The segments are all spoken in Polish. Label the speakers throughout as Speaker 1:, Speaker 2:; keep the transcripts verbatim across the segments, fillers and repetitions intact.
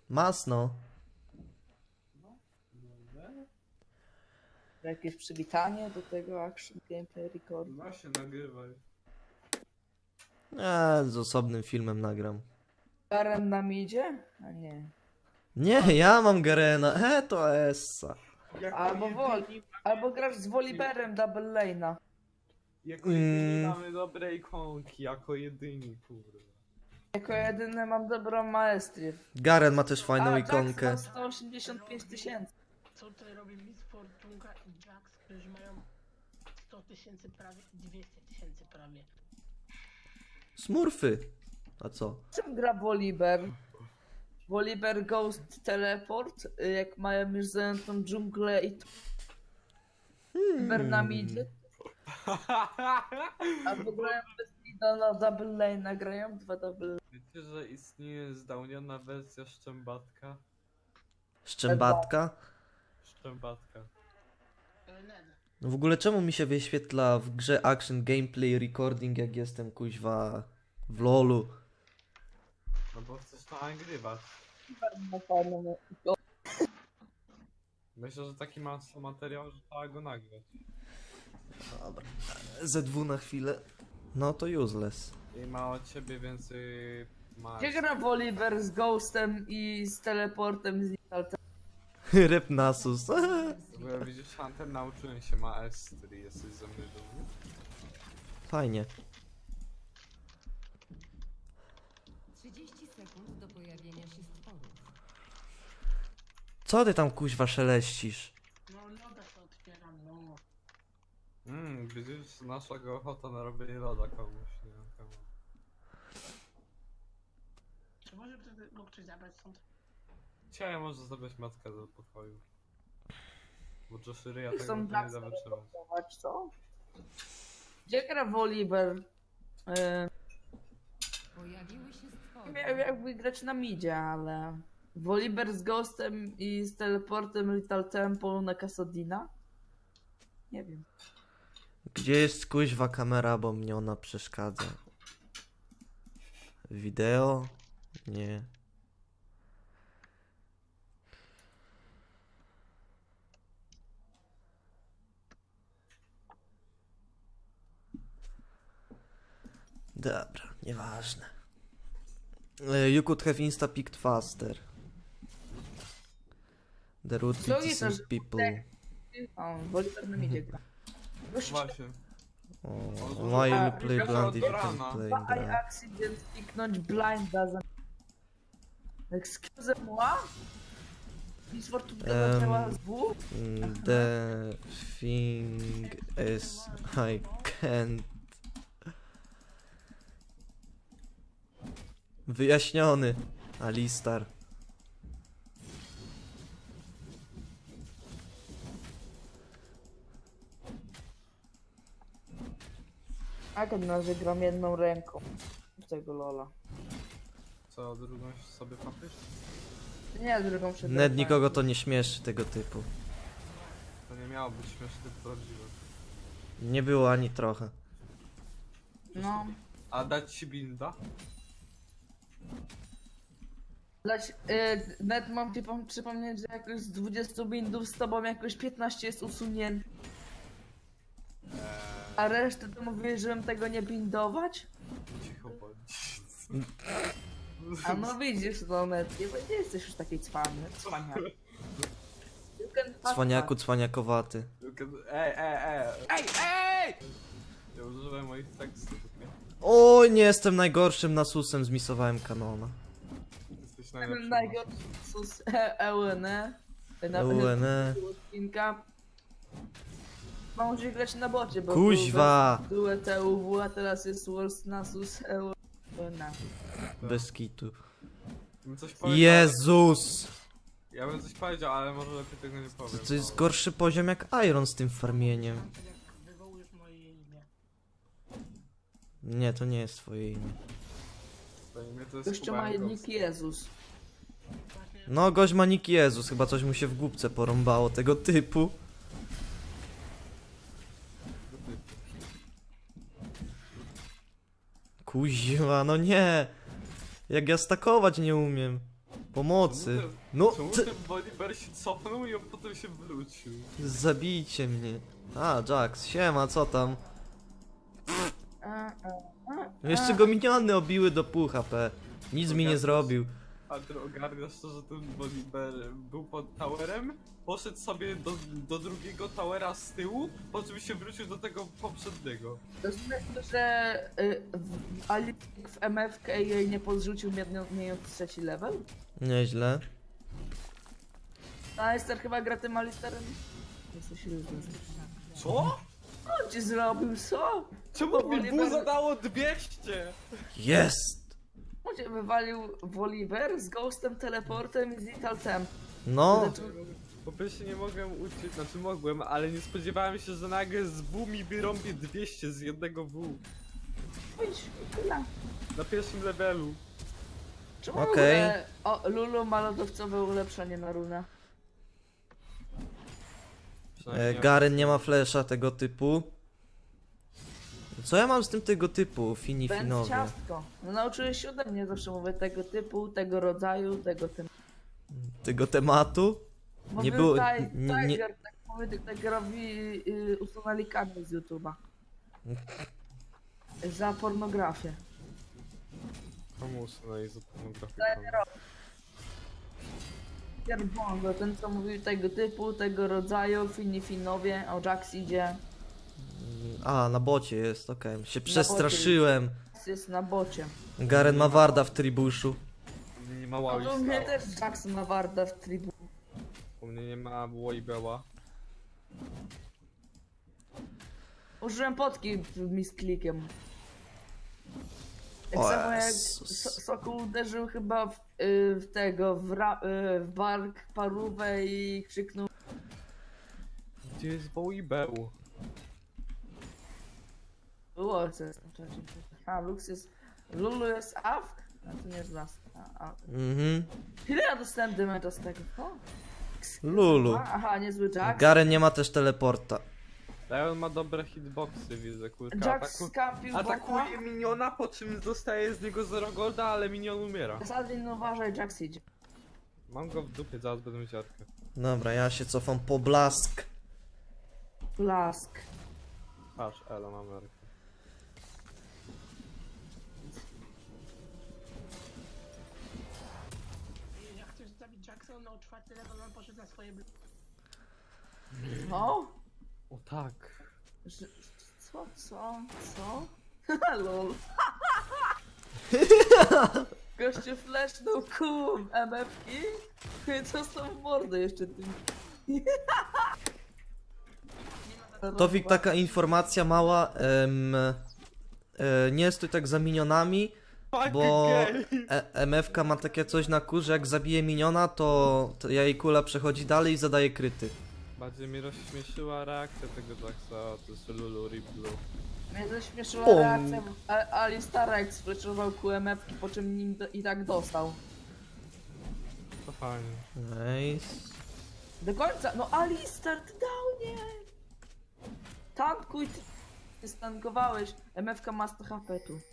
Speaker 1: Masno.
Speaker 2: Jakieś przywitanie do tego Action Gameplay Record.
Speaker 3: No się nagrywaj.
Speaker 1: Eee, z osobnym filmem nagram.
Speaker 2: Garen nam idzie? A nie.
Speaker 1: Nie, ja mam Garena. E, to Essa.
Speaker 3: Jako
Speaker 2: Albo
Speaker 3: jedyni-
Speaker 2: Wol. Albo grasz z Voliberem Double Lane'a.
Speaker 3: Jako jedyni
Speaker 1: Mm.
Speaker 3: mamy dobre ikonki, jako jedyni, kurde.
Speaker 2: Jako jedyny mam dobrą maestrię.
Speaker 1: Garen ma też fajną
Speaker 2: A,
Speaker 1: ikonkę.
Speaker 2: Jax ma sto osiemdziesiąt pięć tysięcy.
Speaker 4: Co tutaj robi Miss Fortunka i Jax, którzy mają sto tysięcy prawie i dwieście tysięcy prawie.
Speaker 1: Smurfy. A co?
Speaker 2: Czym gra Volibear? Volibear Ghost Teleport, y, jak mają już zajętą dżunglę i to Volibear nam idzie. Albo grają bez Nida na Double Lane'a, grają dwa Double
Speaker 3: Wiecie, że istnieje zdałniona wersja Szczębatka?
Speaker 1: Szczębatka?
Speaker 3: Szczębatka.
Speaker 4: E, Ned,
Speaker 1: No w ogóle czemu mi się wyświetla w grze Action Gameplay Recording, jak jestem kuźwa w lolu?
Speaker 3: No bo chcesz to nagrywać.
Speaker 2: Lane'a.
Speaker 3: Myślę, że taki ma materiał, że trzeba go nagrać.
Speaker 1: Dobra. Z dwa na chwilę. No to useless.
Speaker 3: I ma od ciebie więcej... Ma...
Speaker 2: Gdzie gra Volibear z Ghostem i z Teleportem z Nitaltem?
Speaker 1: Rep Nasus.
Speaker 3: Bo ja widzisz, Hunter nauczyłem się maestrii, jesteś ze mnie dumny?
Speaker 1: Fajnie.
Speaker 5: trzydzieści sekund do pojawienia się stworów.
Speaker 1: Co ty tam kuźwa szeleścisz?
Speaker 4: no loda się otwieram, no.
Speaker 3: Mmm, widzisz, nasza go ochota na robienie loda komuś, nie wiem komu.
Speaker 4: Czy może by go ktoś zabrać stąd?
Speaker 3: Dzisiaj może zabrać matkę do pokoju. Bo Joshiryja tego
Speaker 2: Są
Speaker 3: nie
Speaker 2: Jax
Speaker 3: da wytrzymać.
Speaker 2: teleportować, co? Gdzie gra Volibear? Yy,
Speaker 5: Pojawiły się stwory.
Speaker 2: miał jakby grać na midzie, ale... Volibear z Ghostem i z Teleportem Little Temple na Kassadina? Nie wiem.
Speaker 1: Gdzie jest kuźwa kamera, bo mnie ona przeszkadza? Wideo? Nie. Dobra, nieważne. Uh, you could have insta picked faster. The root
Speaker 2: Co
Speaker 1: beats
Speaker 2: jest,
Speaker 1: some people.
Speaker 2: O, Volibear na midzie gra. Gość,
Speaker 3: Właśnie.
Speaker 1: Oh,
Speaker 3: zużywa-
Speaker 1: why you
Speaker 3: a,
Speaker 1: play
Speaker 3: Mika
Speaker 1: blind if you
Speaker 3: od
Speaker 1: can
Speaker 3: rana.
Speaker 1: play
Speaker 2: I
Speaker 1: gra?
Speaker 2: accident kliknąć blinda za... Excuse moi? Miss Fortuna
Speaker 1: Em,
Speaker 2: zaczęła z W?
Speaker 1: Mm, The thing is I can't. Wyjaśniony. Alistar.
Speaker 2: Jak na że gram jedną ręką w tego lola.
Speaker 3: Co, drugą sobie papisz?
Speaker 2: Nie, drugą przed
Speaker 1: Ned nikogo to nie śmieszy tego typu.
Speaker 3: To nie miało być śmieszne, tylko prawdziwe.
Speaker 1: Nie było ani trochę.
Speaker 2: No.
Speaker 3: A dać ci binda?
Speaker 2: Dać, y, Ned mam ci pom- przypomnieć, że jakoś z dwudziestu bindów z tobą jakoś piętnaście jest usunięte.
Speaker 3: Eee,
Speaker 2: A resztę to mówiłeś, żebym tego nie bindować?
Speaker 3: cicho bądź.
Speaker 2: A no widzisz, no Ned, nie, nie jesteś już taki cwany. Cwaniak. You can fuck
Speaker 1: Cwaniaku, cwaniakowaty.
Speaker 3: Ej, ej, ej! Ej, ej! Ja używam moich tekstów, nie?
Speaker 1: O, nie jestem najgorszym nasusem, zmisowałem kanona.
Speaker 3: Jesteś
Speaker 2: fuck.
Speaker 3: najlepszy.
Speaker 2: Najgorszy sus E U N E. Na
Speaker 1: U N E.
Speaker 2: odcinka. Może grać na bocie, bo
Speaker 1: Kuźwa!
Speaker 2: były T U W, a teraz jest Worst Nasus E U N E.
Speaker 1: Bez kitu.
Speaker 3: Bym coś powiedział,
Speaker 1: Jezus!
Speaker 3: Ja bym coś powiedział, ale może lepiej tego nie powiem.
Speaker 1: To, to jest
Speaker 3: bo-
Speaker 1: gorszy poziom jak Iron z tym farmieniem.
Speaker 4: Tak jak wywołujesz moje imię.
Speaker 1: Nie, to nie jest twoje imię.
Speaker 3: To imię to jest
Speaker 2: Jeszcze ma
Speaker 3: Kuba Ghost.
Speaker 2: nick Jezus.
Speaker 4: Właśnie
Speaker 1: No, gość ma nick Jezus, chyba coś mu się w głupce porąbało tego typu.
Speaker 3: Do typu.
Speaker 1: Kuźwa, no nie! Jak ja stakować nie umiem. Pomocy. No,
Speaker 3: Czemu
Speaker 1: ty...
Speaker 3: ten Volibear się cofnął i on potem się wrócił?
Speaker 1: Zabijcie mnie. A, Jax, siema, co tam?
Speaker 2: A, a, a,
Speaker 1: Jeszcze
Speaker 2: a.
Speaker 1: go miniony obiły do pół H P. Nic mi nie zrobił.
Speaker 3: A ty ogarniasz to, że ten Volibear był pod towerem, poszedł sobie do, do drugiego towera z tyłu, po czym się wrócił do tego poprzedniego.
Speaker 2: To znaczy, że y, w, Alik w M F K jej nie podrzucił mając trzeci level?
Speaker 1: Nieźle.
Speaker 2: Alistair chyba gra tym Alistairem? Jesteś różny.
Speaker 3: Co?
Speaker 2: Co on ci zrobił, co?
Speaker 3: Czemu
Speaker 2: Bo
Speaker 3: mi
Speaker 2: Volibear-
Speaker 3: bu zadało dwieście?
Speaker 1: Jest!
Speaker 2: On cię wywalił Volibear z Ghostem, Teleportem i z Lethal Temp.
Speaker 1: No,
Speaker 2: Zaczął-
Speaker 3: Po pierwsze nie mogłem uczyć, znaczy mogłem, ale nie spodziewałem się, że nagle z W mi wyrąbie dwieście z jednego W.
Speaker 2: Idź, tyle.
Speaker 3: Na pierwszym levelu.
Speaker 2: Czemu
Speaker 1: Okej.
Speaker 2: w ogóle o, Lulu ma lodowcowe ulepszenie na runę?
Speaker 1: e, Garen nie ma flesza tego typu. Co ja mam z tym tego typu? Fini
Speaker 2: Będz
Speaker 1: finowie.
Speaker 2: ciastko. No nauczyłeś się ode mnie, zawsze mówię tego typu, tego rodzaju, tego tym.
Speaker 1: Tego tematu? Nie było-
Speaker 2: Taj,
Speaker 1: nie- nie-
Speaker 2: Tiger, tak mówię, Tigerowi y, usunęli kanał z YouTube'a. Za pornografię.
Speaker 3: Komu usunęli za pornografię?
Speaker 2: Tigerowi. Tiger Bongo, ten co mówił tego typu, tego rodzaju, fini finowie, o Jax idzie.
Speaker 1: A, na bocie jest, okej. Się przestraszyłem.
Speaker 2: Jest na bocie.
Speaker 1: Garen ma warda w tribuszu.
Speaker 3: U mnie nie ma
Speaker 2: A
Speaker 3: Wally
Speaker 2: u mnie
Speaker 3: Star.
Speaker 2: też Jax ma warda w tribu.
Speaker 3: U mnie nie ma Wallibała.
Speaker 2: Użyłem potki z klikiem. Tak
Speaker 1: O
Speaker 2: samo jak
Speaker 1: Jezus.
Speaker 2: so Sokół uderzył chyba w, y, w tego, w, ra, y, w bark parówę i krzyknął.
Speaker 3: Gdzie jest Wallibał?
Speaker 2: Było co jest na czacie. A, Lux jest... Lulu jest AF? A to nie jest las. A, a.
Speaker 1: Mhm.
Speaker 2: Ile ja dostałem damage'a z tego? O.
Speaker 1: Lulu.
Speaker 2: Aha, niezły Jax.
Speaker 1: Garen nie ma też teleporta.
Speaker 3: Leon ma dobre hitboxy, widzę, kurka.
Speaker 2: Jax
Speaker 3: Ataku...
Speaker 2: skampił bota.
Speaker 3: Atakuje miniona, po czym dostaje z niego zero golda, ale minion umiera.
Speaker 2: Sadlin, uważaj, Jax idzie.
Speaker 3: Mam go w dupie, zaraz będę mieć arkę.
Speaker 1: Dobra, ja się cofam po blask.
Speaker 2: Blask.
Speaker 3: Patrz, Elo, mam arkę.
Speaker 4: Jak chcesz zabić Jackson, no czwarty level on poszedł na swoje bl-
Speaker 2: No?
Speaker 3: O tak.
Speaker 2: Że- Co, co, co? Lol. Gościu flashnął kum M F-ki. Co z tą w mordę jeszcze tym?
Speaker 1: Tofik, taka informacja mała. Em, e, nie stój tak za minionami, bo e, M F K ma takie coś na kurze, jak zabije miniona, to, to jej kula przechodzi dalej i zadaje kryty.
Speaker 3: Bardziej mnie rozśmieszyła reakcja tego Jacksa, to jest Lulu Riplu.
Speaker 2: Mnie zaśmieszyła
Speaker 1: Pum.
Speaker 2: reakcja A- Alistara, jak sflashował Q M F-ki, po czym nim do, i tak dostał.
Speaker 3: To fajnie.
Speaker 1: Nice.
Speaker 2: Do końca, no Alistar, ty dał nie! Tankuj, ty, ty stankowałeś. M F-ka ma sto H P tu.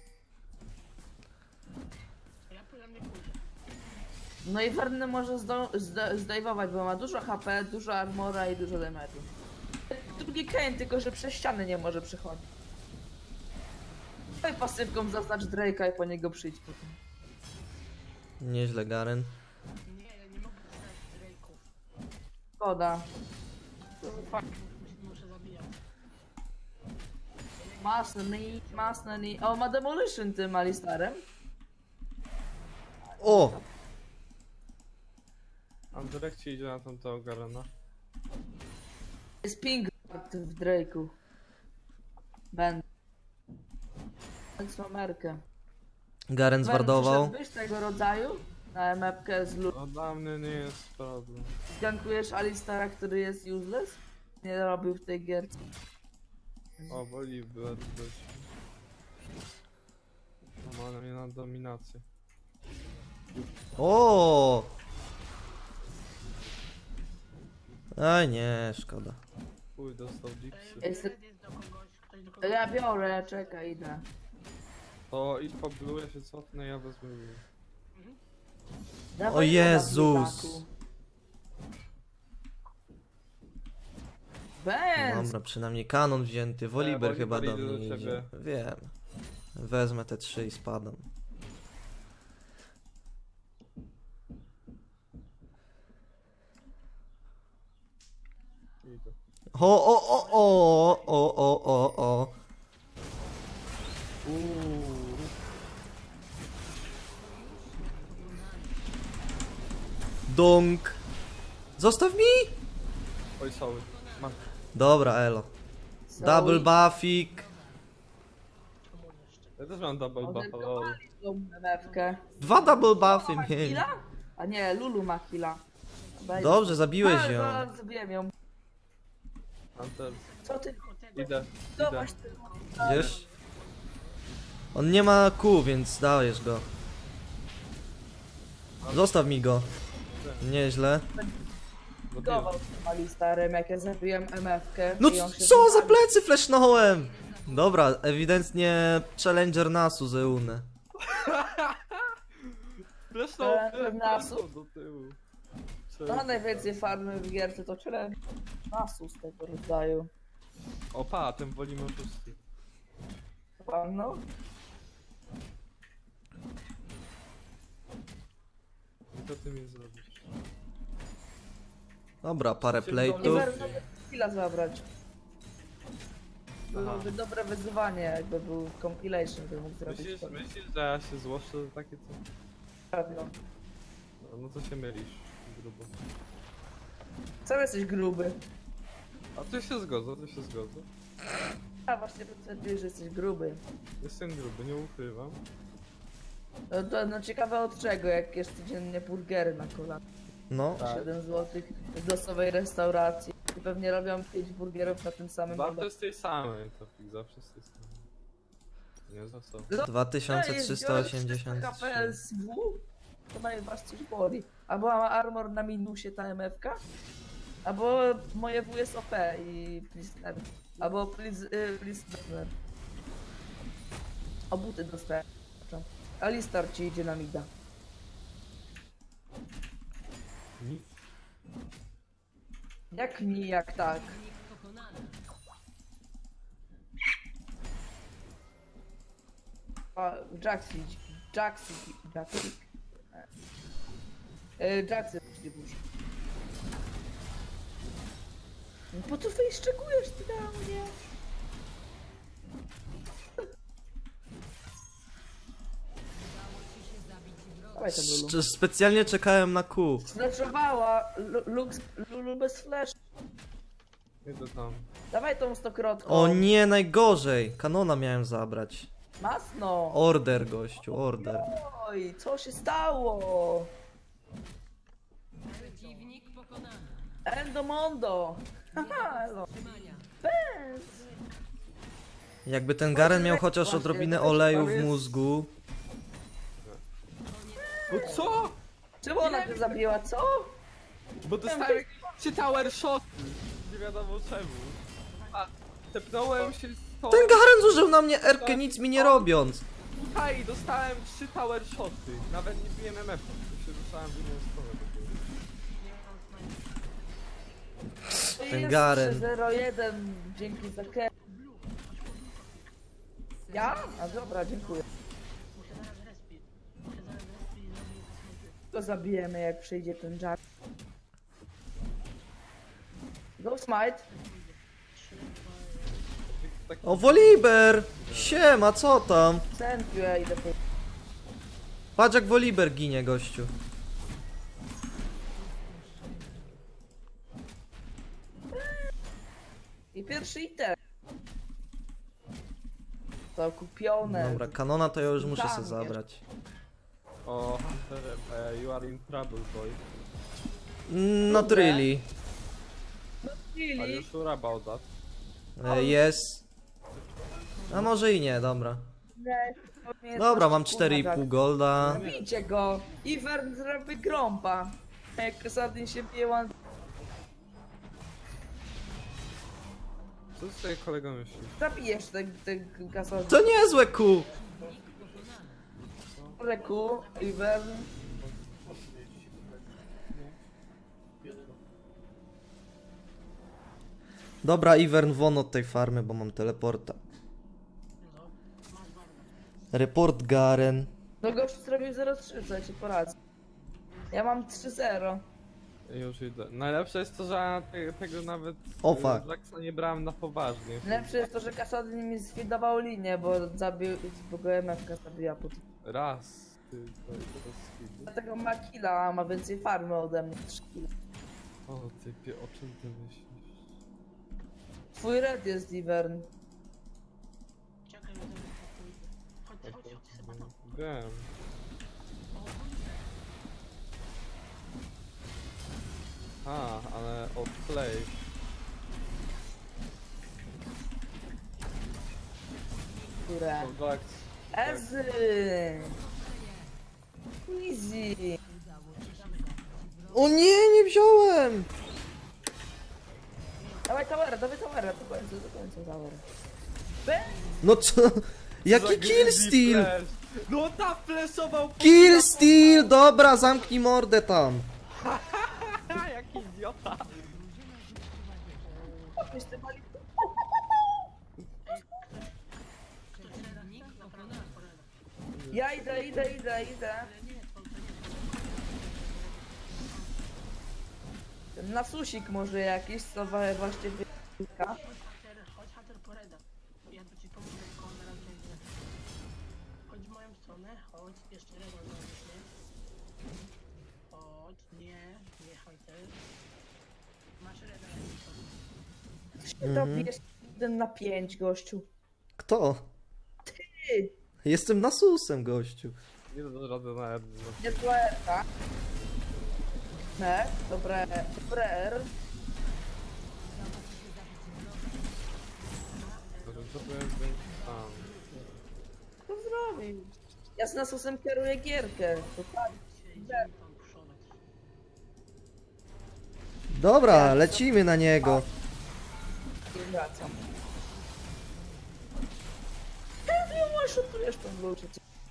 Speaker 4: Ja powiem nie pójdę.
Speaker 2: No i Werny może zdo- zda- zdejmować, bo ma dużo H P, dużo armora i dużo damage'u. Drugi Kane, tylko że przez ściany nie może przechodzić. No i pasywką zaznacz Drake'a i po niego przyjdź potem.
Speaker 1: Nieźle, Garen.
Speaker 4: Nie, ja nie mogę dostać Drake'ów.
Speaker 2: Szkoda.
Speaker 4: Muszę, muszę zabijać.
Speaker 2: Masny, masny, o ma Demolition tym Alistarem.
Speaker 1: O!
Speaker 3: Andrzej ci idzie na tamtego Garena.
Speaker 2: Jest ping w Drake'u. Będę. Więc mam Merkę.
Speaker 1: Garen zwardował.
Speaker 2: Przyszedłbyś tego rodzaju na M F-kę z Lu...
Speaker 3: No dla mnie nie jest problem.
Speaker 2: Zgankujesz Alistara, który jest useless? Nie robił w tej gierce.
Speaker 3: O, Wolibear też. No ma na mnie na dominację.
Speaker 1: O! Aj nie, szkoda.
Speaker 3: Uj, dostał Dixie.
Speaker 2: Jest-
Speaker 4: Jest, jest do kogoś, ktoś do
Speaker 2: To
Speaker 4: kogoś.
Speaker 2: ja biorę, czekaj, idę.
Speaker 3: To idź po blue, ja się cofnę, ja wezmę blue.
Speaker 4: Mhm.
Speaker 2: Dawaj
Speaker 1: O Jezus.
Speaker 2: Biedaku. Benz!
Speaker 1: Dobra, przynajmniej kanon wzięty. Woliber
Speaker 3: E,
Speaker 1: chyba do
Speaker 3: Woliber idzie
Speaker 1: mnie
Speaker 3: do
Speaker 1: idzie.
Speaker 3: ciebie.
Speaker 1: Wiem. Wezmę te trzy i spadam.
Speaker 3: Idę.
Speaker 1: O, o, o, o, o, o, o, o. Dunk. Zostaw mi!
Speaker 3: Oj, sorry. Mam.
Speaker 1: Dobra, elo. Double buffik.
Speaker 3: Ja też mam double buff, ale...
Speaker 2: Odenkowali tą M F-kę.
Speaker 1: Dwa double buffy
Speaker 2: Ma
Speaker 1: mieli.
Speaker 2: killa? A nie, Lulu ma killa. Daj-
Speaker 1: Dobrze, zabiłeś
Speaker 2: A,
Speaker 1: ją.
Speaker 2: zaraz zabiłem ją.
Speaker 3: Hunter.
Speaker 2: Co ty?
Speaker 3: Idę, idę.
Speaker 2: Zobacz ty.
Speaker 1: Wiesz? On nie ma kół, więc dajesz go. Zostaw mi go. Nieźle.
Speaker 2: Gował mali starym, jak ja zabiłem M F-kę.
Speaker 1: No
Speaker 2: i on się
Speaker 1: co za
Speaker 2: wypalił.
Speaker 1: plecy flashnąłem! Dobra, ewidentnie Challenger Nasu Zeune.
Speaker 3: Flesznął,
Speaker 2: Eee, Nasu.
Speaker 3: flesznął do tyłu.
Speaker 2: No najwięcej farmy w gierce to challenge Nasu z tego rodzaju.
Speaker 3: Opa, ten wolimy oszusty.
Speaker 2: No.
Speaker 3: I co ty mi zrobisz?
Speaker 1: Dobra, parę
Speaker 2: I
Speaker 1: plate'ów.
Speaker 2: warto chwila zabrać.
Speaker 3: Aha.
Speaker 2: Byłoby dobre wyzwanie, jakby był compilation, by mógł zrobić
Speaker 3: Myślisz,
Speaker 2: to.
Speaker 3: myślisz, że ja się złoszczę za takie co?
Speaker 2: Pewno.
Speaker 3: No, no to się mylisz, grubo.
Speaker 2: Sam jesteś gruby.
Speaker 3: A ty się zgodzę, ty się zgodzę.
Speaker 2: A właśnie potwierdziłeś, że jesteś gruby.
Speaker 3: Jestem gruby, nie ukrywam.
Speaker 2: No to no ciekawe od czego, jak jesz codziennie burgery na kolana.
Speaker 1: No.
Speaker 3: Tak.
Speaker 2: siedem złotych z losowej restauracji. I pewnie robią pięć burgerów na tym samym
Speaker 3: Zawsze
Speaker 2: lodowisku.
Speaker 3: z tej samej, Topik, zawsze z tej samej. Nie za co.
Speaker 1: dwa tysiące trzysta osiemdziesiąt
Speaker 2: K P
Speaker 1: trzy.
Speaker 2: S W? To najważ coś boli. Albo ma armor na minusie ta M F-ka, albo moje W jest O P i Plisner. Albo Plis- y, Plisner. O buty dostałem. Alistar ci idzie na mida.
Speaker 3: Nic.
Speaker 2: Jak mi, jak tak. A, Jaxi, Jaxi, Jaxi. E, Jaxi, burzy. No po co fejszczekujesz ty na mnie? Dawaj tam Lulu.
Speaker 1: Sz- Specjalnie czekałem na kół.
Speaker 2: Flashowała, Lu- Lux, Lulu bez flash.
Speaker 3: Idę tam.
Speaker 2: Dawaj tą stokrotką.
Speaker 1: O nie, najgorzej. Kanona miałem zabrać.
Speaker 2: Masno.
Speaker 1: Order, gościu, order.
Speaker 2: Oj, co się stało?
Speaker 5: Przeciwnik pokonany.
Speaker 2: Endomondo. Haha, elo. Benz.
Speaker 1: Jakby ten Garen miał chociaż odrobinę oleju w mózgu.
Speaker 3: No co?
Speaker 2: Czemu ona cię zabiła, co?
Speaker 3: Bo dostałem jakieś trzy tower shoty. Nie wiadomo czemu. A, tepnąłem się z tą...
Speaker 1: Ten Garen zużył na mnie erkę nic mi nie robiąc.
Speaker 3: Tutaj dostałem trzy tower shoty. Nawet nie biłem M F. To się rzucałem w inną stronę. dopiero.
Speaker 1: Ten
Speaker 2: Jest
Speaker 1: Garen.
Speaker 2: trzy zero jeden, dzięki za ke... Ja? A dobra, dziękuję.
Speaker 4: Muszę zaraz respi. Muszę zaraz respi i zrobię zasłonkę.
Speaker 2: Go zabijemy, jak przyjdzie ten Jack. Go smite.
Speaker 3: Tak,
Speaker 1: O, Woliber! Siema, co tam?
Speaker 2: Thank you, ja idę po...
Speaker 1: Patrz jak Woliber ginie, gościu.
Speaker 2: I pierwszy item. To kupione.
Speaker 1: Dobra, kanona to ja już muszę
Speaker 2: Tam
Speaker 1: sobie
Speaker 2: jeszcze.
Speaker 1: zabrać.
Speaker 3: o, Hunter, uh, you are in trouble, boy.
Speaker 1: Mm, Not really.
Speaker 3: Are
Speaker 2: Chwili.
Speaker 3: you sure about that?
Speaker 1: E, Jest. A może i nie, dobra.
Speaker 2: Nie, to nie
Speaker 1: Dobra,
Speaker 2: jest
Speaker 1: mam
Speaker 2: nasz
Speaker 1: cztery i
Speaker 2: kurwa,
Speaker 1: pół
Speaker 2: Jack.
Speaker 1: golda.
Speaker 2: Bijcie go! Ivern zrobi grąpa. Jak Kasadin się bije one...
Speaker 3: Co z tego kolego myśli?
Speaker 2: Zabijesz ten, ten Kasadin.
Speaker 1: To niezłe ku.
Speaker 2: Reku, Ivern.
Speaker 1: Dobra, Ivern, won od tej farmy, bo mam teleporta.
Speaker 4: No, masz Warda.
Speaker 1: Report Garen.
Speaker 2: No gościu zrobił zero trzy, co ja ci poradzę. Ja mam trzy zero.
Speaker 3: Już idę. Najlepsze jest to, że ja te, tego nawet
Speaker 1: O,
Speaker 3: y,
Speaker 1: fuck.
Speaker 3: Jacksa nie brałem na poważnie.
Speaker 2: Lepsze jest to, że Kasadin mi zwidował linię, bo zabił, bo go M F K zabiła po tym.
Speaker 3: Raz, ty, to teraz chwilę.
Speaker 2: Dlatego ma killa, a ma więcej farmy ode mnie. trzy killa.
Speaker 3: O typie, o czym ty myślisz?
Speaker 2: Twój red jest Ivern.
Speaker 4: Czekaj, ja zrobię pokój. Chodź, chodź, chodź, chyba to.
Speaker 3: Wiem. A, ale od play.
Speaker 2: Które?
Speaker 3: To Jax.
Speaker 2: Ezy! Easy!
Speaker 1: O nie, nie wziąłem!
Speaker 2: Dawaj towera, dawaj towera, do końca, do końca towera. Be?
Speaker 1: No co? Jaki
Speaker 3: Za
Speaker 1: kill
Speaker 3: greedy
Speaker 1: steal?
Speaker 3: flash. No ta flashował po-
Speaker 1: Kill steal! Dobra, zamknij mordę tam.
Speaker 3: Ha, jaki idiota.
Speaker 2: Weź te mali-
Speaker 5: Przeciwnik pokonany.
Speaker 2: Ja idę, idę, idę, idę. Ten nasusik może jakiś, co wa- właśnie wyka.
Speaker 4: Chodź, Hater, chodź, Hater, poreda. Ja tu ci pomogę, tylko on zaraz będzie. Chodź w moją stronę, chodź, jeszcze raz zrobisz, nie? Chodź, nie, nie, Hater. Masz reda, ja
Speaker 2: To jest jeden na pięć, gościu.
Speaker 1: Kto?
Speaker 2: Ty!
Speaker 1: Jestem nasusem, gościu.
Speaker 3: Nie da rady na R.
Speaker 2: Niezła erka. Ne, dobre, dobre R.
Speaker 3: Co to jest będzie tam?
Speaker 2: Co zrobił? Ja z nasusem kieruję gierkę. To tak.
Speaker 4: idziemy tam puszować.
Speaker 1: Dobra, lecimy na niego.
Speaker 2: Nie wracam. Ty nie szutujesz tą ludzie.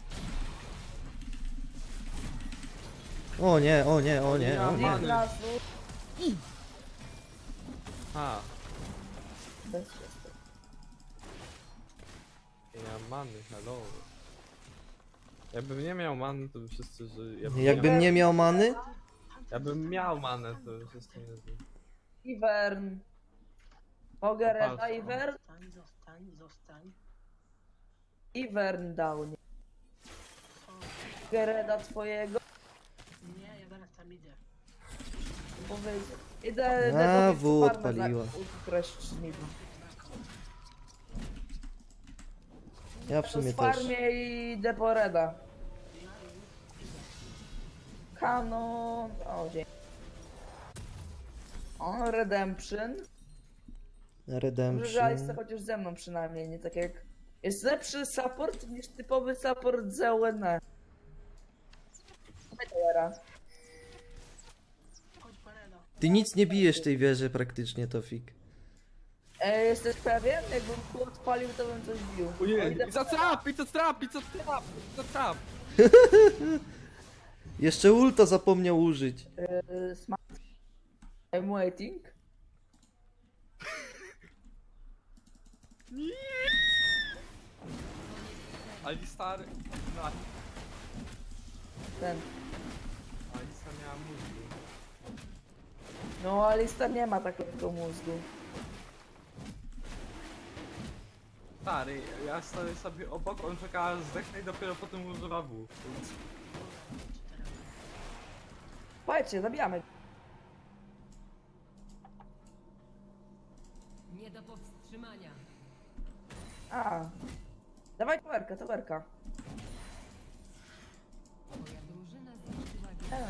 Speaker 1: O nie, o nie, o nie, o nie.
Speaker 3: Many.
Speaker 2: Nasus.
Speaker 3: Ha,
Speaker 2: Bez przestrzeni.
Speaker 3: ja mam many, hello. Jakbym nie miał many, to by wszyscy żyli. Jakbym,
Speaker 1: Jakbym
Speaker 3: miał,
Speaker 1: nie miał many?
Speaker 3: jakbym miał manę, to by wszyscy nie żyli.
Speaker 2: Ivern. Mogę reda
Speaker 3: Patrz,
Speaker 2: Ivern?
Speaker 4: Zostań, zostań, zostań.
Speaker 2: Ivern dał, nie. Mogę reda twojego?
Speaker 4: Nie, ja zaraz tam idę.
Speaker 2: Powiedział. Idę
Speaker 1: A,
Speaker 2: Dedowi
Speaker 1: W
Speaker 2: farmę za-
Speaker 1: odpaliła.
Speaker 2: ukraść niby.
Speaker 1: Ja w
Speaker 2: To
Speaker 1: sumie
Speaker 2: z
Speaker 1: też.
Speaker 2: farmie i idę po reda. Kanon. O, dzień. O, Redemption. Dobrze, że Alice
Speaker 1: Redemption.
Speaker 2: chociaż ze mną przynajmniej, nie tak jak... Jest lepszy support niż typowy support z O N E. Teraz.
Speaker 4: Chodź, poreda.
Speaker 1: Ty nic nie bijesz tej wieży praktycznie, Tofik.
Speaker 2: E, jesteś pewien? Jakbym tu odpalił, to bym coś bił. O, idę
Speaker 3: I co trap, i co trap, i co trap, i co trap.
Speaker 1: Jeszcze ulta zapomniał użyć.
Speaker 2: e, sma- I'm waiting.
Speaker 3: Alistar, na.
Speaker 2: Ten.
Speaker 3: Alista miała mózgu.
Speaker 2: No, Alistar nie ma takiego mózgu.
Speaker 3: Stary, ja stoję sobie obok, on czeka aż zdechnę i dopiero potem używa W.
Speaker 2: Słuchajcie, zabijamy.
Speaker 5: Nie do powstrzymania.
Speaker 2: A. Dawaj towerka, towerka.
Speaker 5: Twoja drużyna zniszczyła wieżę.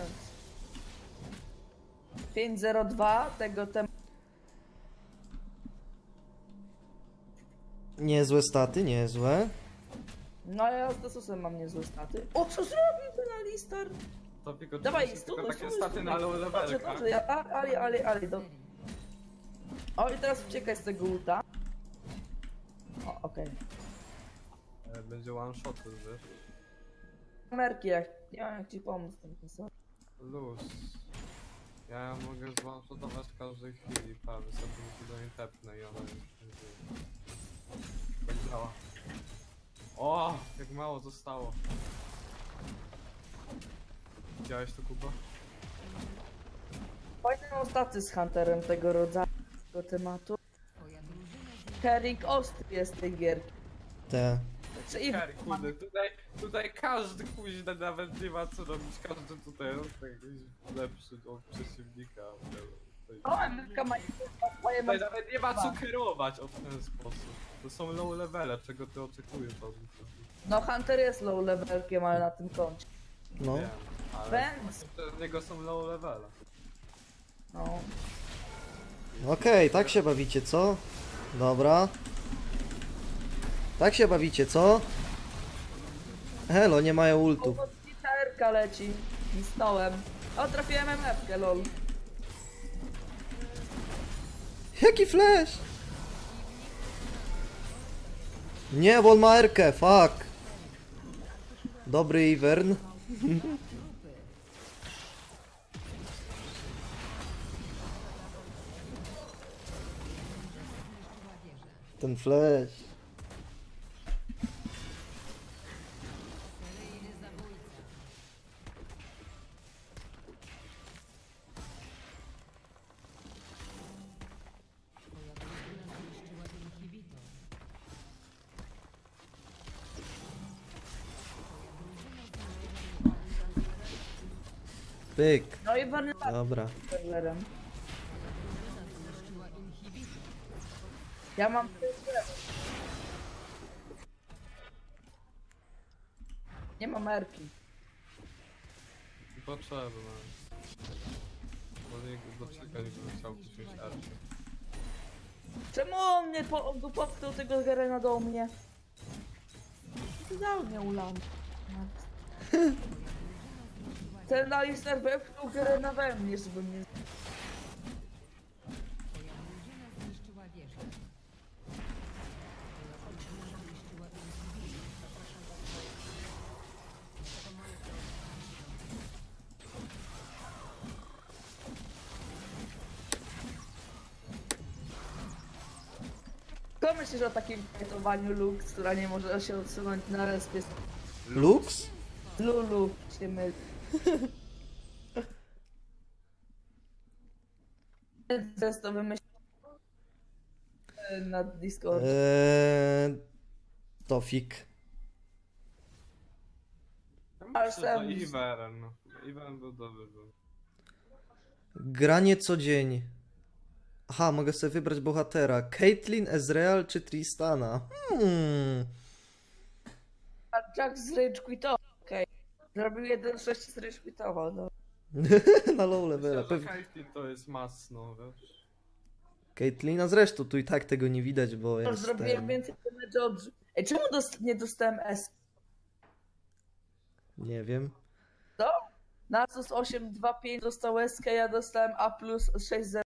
Speaker 2: pięć zero dwa tego tem...
Speaker 1: Niezłe staty, niezłe.
Speaker 2: No ja z Desusem mam niezłe staty. O, co zrobił ten Alistar?
Speaker 3: To tylko
Speaker 2: Dawaj,
Speaker 3: tylko
Speaker 2: stunuj,
Speaker 3: takie
Speaker 2: stunuj,
Speaker 3: staty
Speaker 2: stunuj.
Speaker 3: na low
Speaker 2: Dobrze,
Speaker 3: levelka.
Speaker 2: dobrze, ja, a, ali, ali, ali, do... O, i teraz uciekaj z tego ulta. O, okej.
Speaker 3: E, Będzie one shot, wiesz?
Speaker 2: Kamerki, jak... Nie wiem, jak ci pomóc. Ten pisał.
Speaker 3: Luz. Ja mogę zwanshotować w każdej chwili, prawie sobie do niej tepnę i ona już nie żyje. Tak działa. O, jak mało zostało. Widziałeś to, Kuba?
Speaker 2: Fajne są staty z Hunterem tego rodzaju, tego tematu.
Speaker 5: Twoja drużyna
Speaker 2: Carrying ostry jest tej gierki.
Speaker 1: Te.
Speaker 2: Znaczy, i
Speaker 3: Kary, kurde, tutaj, tutaj każdy kuźny nawet nie ma co robić, każdy tutaj jest jakiś lepszy od przeciwnika. Tutaj,
Speaker 2: o, M F K ma swoje
Speaker 3: tutaj nawet nie ma co kierować o ten sposób. To są low levele, czego ty oczekujesz od nich.
Speaker 2: No Hunter jest low levelkiem, ale na tym koncie.
Speaker 1: No.
Speaker 3: Wiem, ale
Speaker 2: Więc,
Speaker 3: przez niego są low levele.
Speaker 2: no.
Speaker 1: Okej, tak się bawicie, co? Dobra. Tak się bawicie, co? Helo, nie mają ultów.
Speaker 2: Pomocnicza R-ka leci. Misnąłem. O, trafiłem M F-kę, lol.
Speaker 1: Jaki flash? Nie, bo on ma erkę, fuck. Dobry Ivern. Ten flash.
Speaker 5: seryjny zabójca. Twoja drużyna zniszczyła inhibitor.
Speaker 1: Pyk.
Speaker 2: No i Barney
Speaker 1: Dobra.
Speaker 2: serwerem.
Speaker 5: Zniszczyła inhibitor.
Speaker 2: Ja mam... Nie mam R-ki.
Speaker 3: Potrzebne. Bo nie do czego nie bym chciał wziąć arcie.
Speaker 2: Czemu on mnie po, on go popchnął tego Garena do mnie? Ty dał mnie ulam. Ten Alistar wepchnął Garena we mnie, żeby mnie...
Speaker 5: Twoja drużyna zniszczyła wieżę. Twoja drużyna zniszczyła inhibitor.
Speaker 2: Co myślisz o takim fightovaniu Lux, która nie może się odsunąć na respie?
Speaker 1: Lux?
Speaker 2: Lulu się myli. Przez to wymyśliłem na Discord.
Speaker 1: Eee, Tofik.
Speaker 3: Ja
Speaker 2: Ale
Speaker 3: myślę, że
Speaker 2: sam-
Speaker 3: Ivern, no. Ivern był dobry. Był.
Speaker 1: Granie co dzień. Aha, mogę sobie wybrać bohatera. Caitlyn, Ezreal czy Tristana? Hmm.
Speaker 2: A Jack z Rage quitował, okej. Zrobił jeden sześć z Rage quitował, no.
Speaker 1: Na low levela.
Speaker 3: Myślę, że
Speaker 1: Pewnie.
Speaker 3: Caitlyn to jest masno, wiesz.
Speaker 1: Caitlina zresztą tu i tak tego nie widać, bo
Speaker 2: Już
Speaker 1: jest
Speaker 2: zrobiłem
Speaker 1: ten...
Speaker 2: więcej damage'u od... Ej, czemu dost- nie dostałem S?
Speaker 1: Nie wiem.
Speaker 2: Nasus osiem dwa pięć dostał S, ja dostałem A plus sześć zero.